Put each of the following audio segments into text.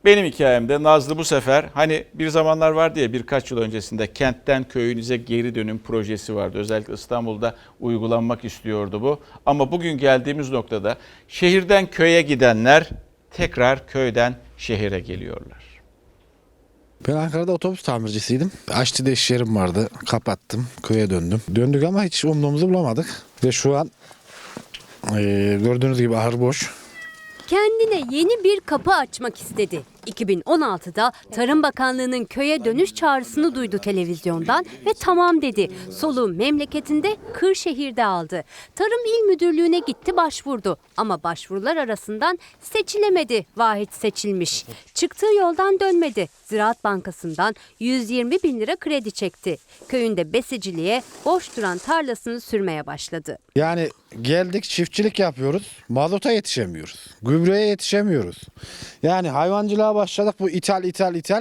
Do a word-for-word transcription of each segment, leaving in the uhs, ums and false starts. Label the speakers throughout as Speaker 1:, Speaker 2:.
Speaker 1: Benim hikayemde Nazlı bu sefer hani bir zamanlar vardı ya birkaç yıl öncesinde kentten köyünüze geri dönüm projesi vardı. Özellikle İstanbul'da uygulanmak istiyordu bu. Ama bugün geldiğimiz noktada şehirden köye gidenler tekrar köyden şehire geliyorlar.
Speaker 2: Ben Ankara'da otobüs tamircisiydim. Aşçı'da iş yerim vardı. Kapattım. Köye döndüm. Döndük ama hiç umduğumuzu bulamadık. Ve şu an e, gördüğünüz gibi ahır boş.
Speaker 3: Kendine yeni bir kapı açmak istedi. iki bin on altıda Tarım Bakanlığı'nın köye dönüş çağrısını duydu televizyondan ve tamam dedi. Soluğu memleketinde Kırşehir'de aldı. Tarım İl Müdürlüğü'ne gitti başvurdu. Ama başvurular arasından seçilemedi. Vahit seçilmiş. Çıktığı yoldan dönmedi. Ziraat Bankası'ndan yüz yirmi bin lira kredi çekti. Köyünde besiciliğe boş duran tarlasını sürmeye başladı.
Speaker 2: Yani geldik çiftçilik yapıyoruz. Mazota yetişemiyoruz. Gübreye yetişemiyoruz. Yani hayvancılığa başladık. Bu ithal ithal ithal.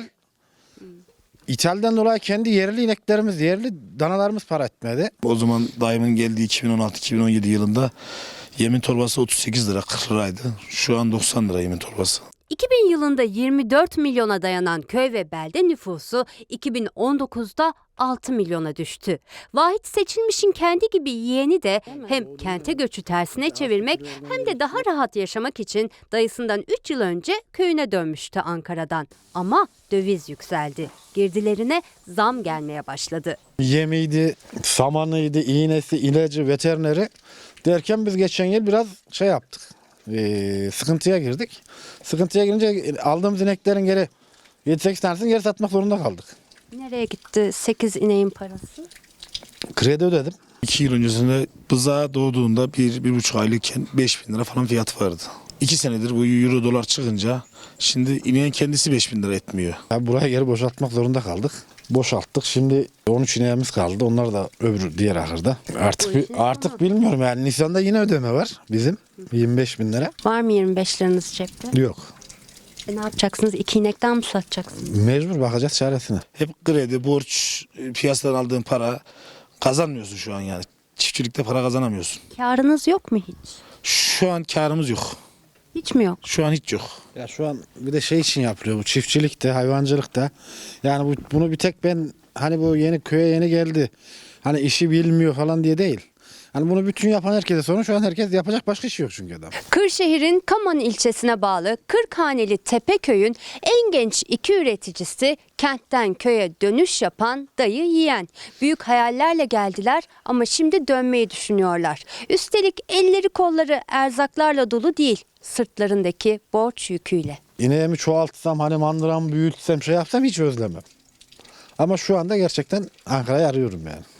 Speaker 2: İthalden dolayı kendi yerli ineklerimiz, yerli danalarımız para etmedi.
Speaker 4: O zaman dayımın geldiği iki bin on altı iki bin on yedi yılında yemin torbası otuz sekiz lira kırk liraydı. Şu an doksan lira yemin torbası.
Speaker 3: iki bin yılında yirmi dört milyona dayanan köy ve belde nüfusu iki bin on dokuzda altı milyona düştü. Vahit Seçilmiş'in kendi gibi yeğeni de hem kente göçü tersine çevirmek hem de daha rahat yaşamak için dayısından üç yıl önce köyüne dönmüştü Ankara'dan. Ama döviz yükseldi. Girdilerine zam gelmeye başladı.
Speaker 2: Yemiydi, samanıydı, iğnesi, ilacı, veterineri derken biz geçen yıl biraz şey yaptık. Ee, sıkıntıya girdik. Sıkıntıya girince aldığımız ineklerin geri yedi sekiz tanesini geri satmak zorunda kaldık.
Speaker 3: Nereye gitti sekiz ineğin parası?
Speaker 2: Kredi ödedim.
Speaker 4: İki yıl öncesinde bıza doğduğunda bir, bir buçuk aylıkken beş bin lira falan fiyat vardı. İki senedir bu euro dolar çıkınca şimdi ineğin kendisi beş bin lira etmiyor.
Speaker 2: Ya buraya geri boşaltmak zorunda kaldık. Boşalttık. Şimdi on üç ineğimiz kaldı. Onlar da öbür diğer ahırda. Artık bi- artık bilmiyorum yani Nisan'da yine ödeme var bizim yirmi beş bin lira.
Speaker 3: Var mı yirmi beş liranız cepte?
Speaker 2: Yok.
Speaker 3: E ne yapacaksınız? İki inekten mi satacaksınız?
Speaker 2: Mecbur bakacağız çaresine.
Speaker 4: Hep kredi, borç, piyasadan aldığın para kazanmıyorsun şu an yani. Çiftçilikte para kazanamıyorsun.
Speaker 3: Karınız yok mu hiç?
Speaker 4: Şu an karımız yok.
Speaker 3: Hiç mi yok?
Speaker 4: Şu an hiç yok.
Speaker 2: Ya şu an bir de şey için yapılıyor bu çiftçilikte, hayvancılıkta. Yani bu, bunu bir tek ben hani bu yeni köye yeni geldi. Hani işi bilmiyor falan diye değil. Hani bunu bütün yapan herkese sorun. Şu an herkes yapacak başka işi yok çünkü adam.
Speaker 3: Kırşehir'in Kaman ilçesine bağlı Kırkhaneli Tepeköy'ün en genç iki üreticisi kentten köye dönüş yapan dayı yiyen. Büyük hayallerle geldiler ama şimdi dönmeyi düşünüyorlar. Üstelik elleri kolları erzaklarla dolu değil, sırtlarındaki borç yüküyle.
Speaker 2: İneğimi çoğaltsam hani mandıramı büyütsem şey yapsam hiç özlemem. Ama şu anda gerçekten Ankara'yı arıyorum yani.